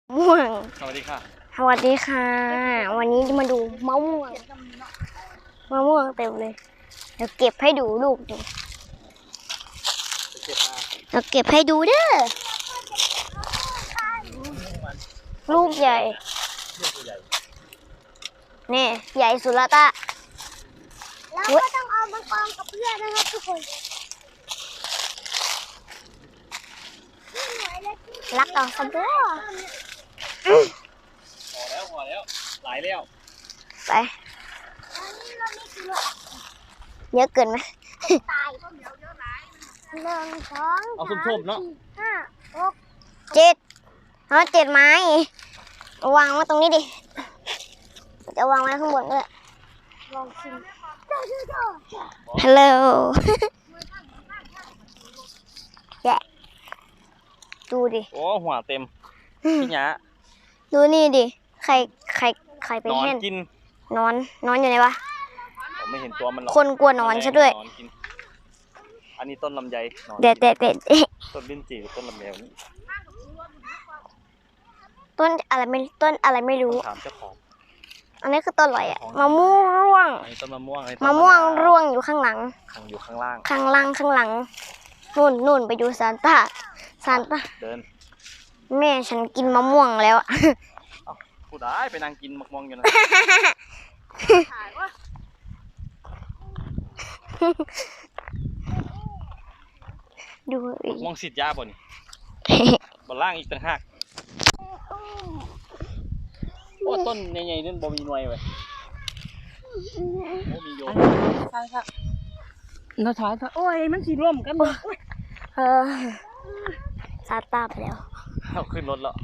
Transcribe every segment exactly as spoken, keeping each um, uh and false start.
ม่วงสวัสดีค่ะสวัสดีค่ะ วันนี้จะมาดูมะม่วงมะม่วงเต็มเลยเดี๋ยวเก็บให้ดูลูกดูเก็บมาเดี๋ยวเก็บให้ดูเด้อลูกใหญ่นี่ใหญ่สุดละตาแล้วก็ต้องเอามากองกับเพื่อนนะครับทุกคนรักเอาสบู่พอแล้วพอแล้วหลายแล้วไปเยอะเกินไหมตายหนึ่งสองเอาส้มๆเนาะห้าหกเจ็ดเอาเจ็ดไม้วางไว้ตรงนี้ดิจะวางไว้ข้างบนด้วยลองชิมฮัลโหลแย่ดูดิโอ้หัวเต็มพี่หยาดูนี่ดิใครใครใครไปนอนเห็นกินนอนนอนอยู่ไหนวะผมไม่เห็นตัวมันหรอกคนกลัวนอนซะด้วยอันนี้ต้นลำไยเด็ดเด็ดเด็ดต้นลิ้นจี่ต้นลำไยนี่ต้นอะไรไม่ต้นอะไรไม่รู้ถามเจ้าของอันนี้คือต้นอะไรอะมะม่วงร่วงอันนี้ต้นมะม่วงมะม่วงร่วงอยู่ข้างหลังอยู่ข้างล่างข้างล่างข้างหลังนู่นนู่นไปดูซานต้าซานต้าเดินแม่ฉันกินมะม่วงแล้วผู้ได้ไปนั่งกินมะม่วงอยู่นะดูมองสิทธิ์ยาบ่นี่บ่ล่างอีกต่างหากโอ้ต้นใหญ่ๆนั่นบ่มีหน่วยเว้ยโอ้มีโยมใช่ค่ะเราถอยโอ้ยมันสีร่วมกันหมดเออซาตาไปแล้วเอาขึ้นรถแล้ว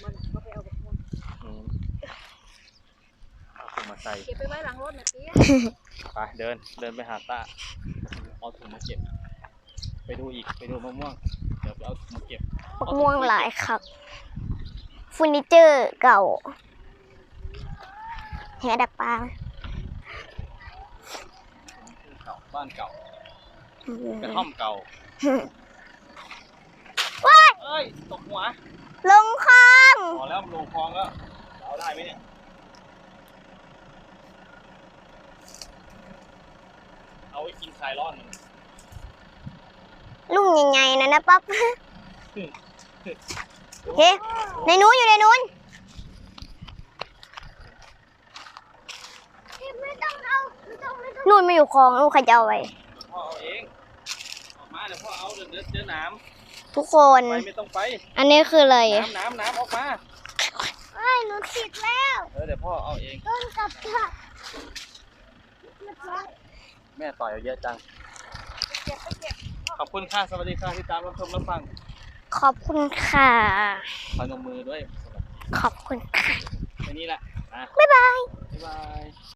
เอาถุงมาใส่เก็บไปไว้หลังรถนะพี่ไปเดินเดินไปหาตาเอาถุงมาเก็บไปดูอีกไปดูมะม่วงเดี๋ยวไปเอาถุงมาเก็บมะม่วงหลายครับเฟอร์นิเจอร์เก่าแหดักปลาบ้านเก่ากระท่อมเก่าว้ายเอ้ยตกหัวลงคลองพอแล้วลงคลองแล้วเอาได้ไหมเนี่ยเอาไว้กินคลายร้อนลุงใหญ่ๆนะนะป๊อปเฮ้ในนู้นอยู่ในนู้นไม่ต้องเอาไม่ต้องไม่ต้องนู่นไม่อยู่คลองลูกใครจะเอาไว้พ่อเอาเองออกมาเดี๋ยวพ่อเอาเดินเดินเจอน้ำทุกคนไปไม่ต้องไปอันนี้คืออะไรน้ำน้ำน้ำออกมาเอ้ยหนูติดแล้วเออเดี๋ยวพ่อเอาเองต้นกับผักแม่ต่อยเยอะจังขอบคุณค่ะสวัสดีค่ะที่ตามรับชมรับฟังขอบคุณค่ะพนมมือด้วยขอบคุณค่ะแค่นี้แหละบ๊ายบายบ๊ายบาย